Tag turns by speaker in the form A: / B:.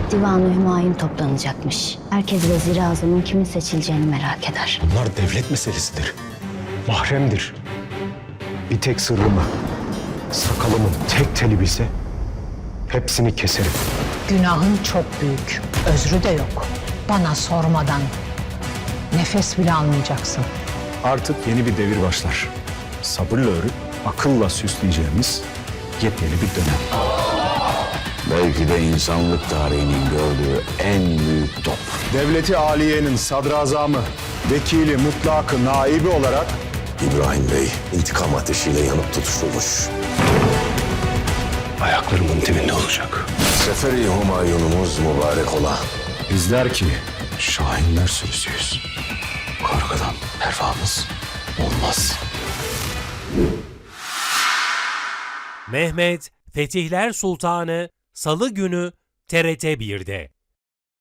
A: Divan-ı Hümayun toplanacakmış. Herkes Vezir-i Azam'ın kimin seçileceğini merak eder.
B: Bunlar devlet meselesidir. Mahremdir. Bir tek sırrımı, sakalımın tek teli bilse hepsini keserim.
C: Günahın çok büyük, özrü de yok. Bana sormadan nefes bile almayacaksın.
B: Artık yeni bir devir başlar. Sabırla örüp akılla süsleyeceğimiz yepyeni bir dönem.
D: Belki de insanlık tarihinin gördüğü en büyük top.
B: Devleti Aliye'nin sadrazamı, vekili, mutlakı, naibi olarak
D: İbrahim Bey intikam ateşiyle yanıp tutuşulmuş.
B: ayaklarımın dibinde olacak.
D: Seferi Humayunumuz mübarek ola.
B: Bizler ki şahinler sürüsüyüz. Korkudan pervamız olmaz.
E: Mehmet Fetihler Sultanı Salı günü TRT 1'de.